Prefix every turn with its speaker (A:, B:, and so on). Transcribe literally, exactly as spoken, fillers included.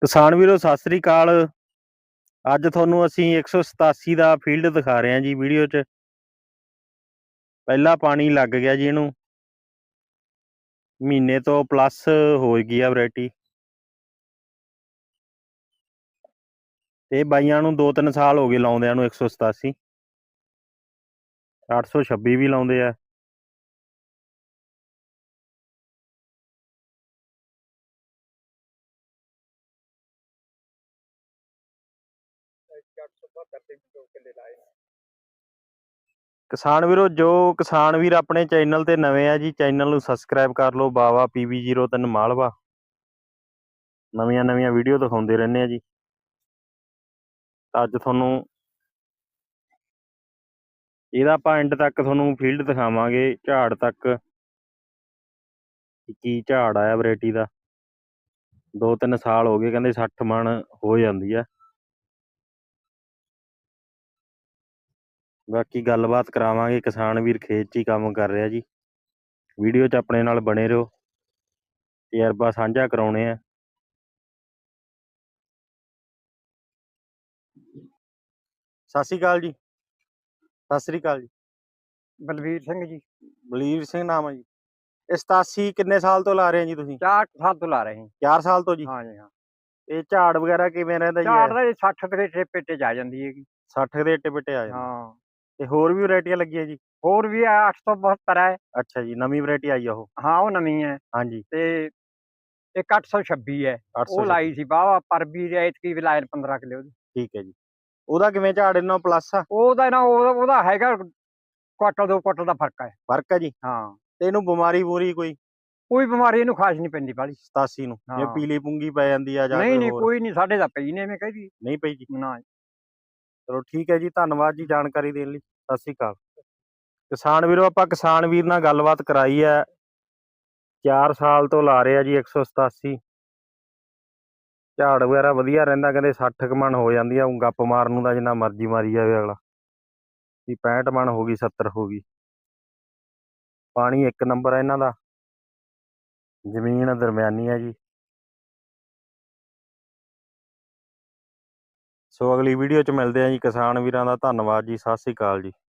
A: ਕਿਸਾਨ ਵੀਰੋ ਸਤਿ ਸ੍ਰੀ ਅਕਾਲ। ਅੱਜ ਤੁਹਾਨੂੰ ਅਸੀਂ ਇੱਕ ਸੌ ਸਤਾਸੀ ਦਾ ਫੀਲਡ ਦਿਖਾ ਰਹੇ ਹਾਂ ਜੀ ਵੀਡੀਓ 'ਚ। ਪਹਿਲਾ ਪਾਣੀ ਲੱਗ ਗਿਆ ਜੀ, ਇਹਨੂੰ ਮਹੀਨੇ ਤੋਂ ਪਲੱਸ ਹੋ ਗਈ ਆ ਵੈਰਾਈਟੀ। ਇਹ ਬਾਈਆਂ ਨੂੰ ਦੋ ਤਿੰਨ ਸਾਲ ਹੋ ਗਏ ਲਾਉਂਦਿਆਂ ਨੂੰ। ਇੱਕ ਸੌ ਸਤਾਸੀ ਅੱਠ ਸੌ ਛੱਬੀ ਵੀ ਲਾਉਂਦੇ ਆ। ਕਿਸਾਨ ਵੀਰੋ, ਜੋ ਕਿਸਾਨ ਵੀਰ ਆਪਣੇ ਚੈਨਲ ਤੇ ਨਵੇਂ ਆ ਜੀ, ਚੈਨਲ ਨੂੰ ਸਬਸਕ੍ਰਾਈਬ ਕਰ ਲਓ। ਬਾਵਾ ਪੀ ਵੀ ਜ਼ੀਰੋ ਤਿੰਨ ਮਾਲਵਾ ਨਵੀਆਂ ਨਵੀਆਂ ਵੀਡੀਓ ਦਿਖਾਉਂਦੇ ਰਹਿੰਦੇ ਆ ਜੀ। ਅੱਜ ਤੁਹਾਨੂੰ ਇਹਦਾ ਆਪਾਂ ਐਂਡ ਤੱਕ ਤੁਹਾਨੂੰ ਫੀਲਡ ਦਿਖਾਵਾਂਗੇ, ਝਾੜ ਤੱਕ ਕੀ ਝਾੜ ਆਇਆ ਵੈਰਾਈਟੀ ਦਾ। ਦੋ ਤਿੰਨ ਸਾਲ ਹੋ ਗਏ, ਕਹਿੰਦੇ ਸੱਠ ਮਣ ਹੋ ਜਾਂਦੀ ਆ। ਬਾਕੀ ਗੱਲਬਾਤ ਕਰਾਵਾਂਗੇ। ਕਿਸਾਨ ਵੀਰ ਖੇਤ 'ਚ ਹੀ ਕੰਮ ਕਰ ਰਿਹਾ ਜੀ। ਵੀਡੀਓ 'ਚ ਆਪਣੇ ਨਾਲ ਬਣੇ ਰਹੋ, ਤਜਰਬਾ ਸਾਂਝਾ ਕਰਾਉਣੇ ਆ। ਸਤਿ ਸ਼੍ਰੀ ਅਕਾਲ ਜੀ। ਸਤਿ ਸ਼੍ਰੀ ਅਕਾਲ ਜੀ।
B: ਬਲਵੀਰ ਸਿੰਘ ਜੀ।
A: ਬਲਵੀਰ ਸਿੰਘ ਨਾਮ ਹੈ ਜੀ। ਇਹ ਸਤਾਸੀ ਕਿੰਨੇ ਸਾਲ ਤੋਂ ਲਾ ਰਹੇ ਜੀ ਤੁਸੀਂ?
B: ਚਾਰ ਸਾਲ ਤੋਂ ਲਾ ਰਹੇ ਹਾਂ।
A: ਚਾਰ ਸਾਲ ਤੋਂ ਜੀ?
B: ਹਾਂ ਜੀ ਹਾਂ।
A: ਇਹ ਝਾੜ ਵਗੈਰਾ ਕਿਵੇਂ ਰਹਿੰਦਾ ਜੀ?
B: ਝਾੜ ਦਾ ਸੱਠ ਦੇ ਏਟੇ ਪੇਟੇ ਚ ਆ ਜਾਂਦੀ ਹੈਗੀ।
A: ਸੱਠ ਦੇ ਏਟੇ ਪੇਟੇ ਆ ਜਾਂਦੇ।
B: ਹਾਂ।
A: ਤੇ ਹੋਰ ਵੀ ਵੈਰਾਈਟੀਆਂ ਲੱਗੀਆਂ ਜੀ?
B: ਹੋਰ ਵੀ ਆ, ਅੱਠ ਸੌ ਬਹੱਤਰ ਹੈ।
A: ਅੱਛਾ ਜੀ, ਨਵੀਂ ਵੈਰਾਈਟੀ ਆਈ ਆ ਉਹ?
B: ਹਾਂ, ਉਹ ਨਵੀਂ ਹੈ।
A: ਹਾਂਜੀ।
B: ਤੇ ਇੱਕ ਅੱਠ ਸੌ ਛੱਬੀ ਹੈ, ਉਹ ਲਾਈ ਸੀ ਬਾਵਾ ਪਰ ਵੀ ਐਤਕੀ ਵੀ ਲਾਏ ਪੰਦਰਾਂ ਕਿਲੋ ਉਹਦੀ।
A: ਠੀਕ ਹੈ ਜੀ। ਉਹਦਾ ਕਿਵੇਂ ਝਾੜ ਇਹਨਾਂ ਪਲੱਸ ਆ?
B: ਉਹਦਾ ਨਾ ਉਹਦਾ ਹੈਗਾ ਕੁਆਟਲ ਦੋ ਕੁਆਟਲ ਦਾ ਫਰਕ ਹੈ।
A: ਫਰਕ ਹੈ ਜੀ? ਹਾਂ। ਤੇ ਇਹਨੂੰ ਬਿਮਾਰੀ ਬੂਰੀ ਕੋਈ?
B: ਕੋਈ ਬਿਮਾਰੀ ਇਹਨੂੰ ਖਾਸ ਨਹੀਂ ਪੈਂਦੀ ਬਾਹਲੀ।
A: ਸਤਾਸੀ ਨੂੰ ਜੇ ਪੀਲੀ ਪੁੰਗੀ ਪੈ ਜਾਂਦੀ ਆ ਜਾਂ
B: ਨਹੀਂ ਨਹੀਂ ਕੋਈ ਨਹੀਂ, ਸਾਡੇ ਤਾਂ ਪਈ ਨੇ ਐਵੇਂ ਕਹਦੀ
A: ਨਹੀਂ ਪਈ ਜੀ?
B: ਨਾ।
A: ਚਲੋ ਠੀਕ ਹੈ ਜੀ, ਧੰਨਵਾਦ ਜੀ ਜਾਣਕਾਰੀ ਦੇਣ ਲਈ। ਸਤਿ ਸ਼੍ਰੀ ਅਕਾਲ। ਕਿਸਾਨ ਵੀਰੋ, ਆਪਾਂ ਕਿਸਾਨ ਵੀਰ ਨਾਲ ਗੱਲਬਾਤ ਕਰਾਈ ਹੈ। ਚਾਰ ਸਾਲ ਤੋਂ ਲਾ ਰਹੇ ਆ ਜੀ ਇੱਕ ਸੌ ਸਤਾਸੀ। ਝਾੜ ਵਗੈਰਾ ਵਧੀਆ ਰਹਿੰਦਾ, ਕਹਿੰਦੇ ਸੱਠ ਕੁ ਮਣ ਹੋ ਜਾਂਦੀ ਆ। ਗੱਪ ਮਾਰਨ ਨੂੰ ਤਾਂ ਜਿੰਨਾ ਮਰਜ਼ੀ ਮਾਰੀ ਜਾਵੇ ਅਗਲਾ। ਵੀ ਪੈਂਹਠ ਮਣ ਹੋ ਗਈ, ਸੱਤਰ ਹੋ ਗਈ। ਪਾਣੀ ਇੱਕ ਨੰਬਰ ਆ ਇਹਨਾਂ ਦਾ, ਜ਼ਮੀਨ ਦਰਮਿਆਨੀ ਹੈ ਜੀ। ਸੋ ਅਗਲੀ ਵੀਡੀਓ 'ਚ ਮਿਲਦੇ ਆ ਜੀ। ਕਿਸਾਨ ਵੀਰਾਂ ਦਾ ਧੰਨਵਾਦ ਜੀ। ਸਤਿ ਸ਼੍ਰੀ ਅਕਾਲ ਜੀ।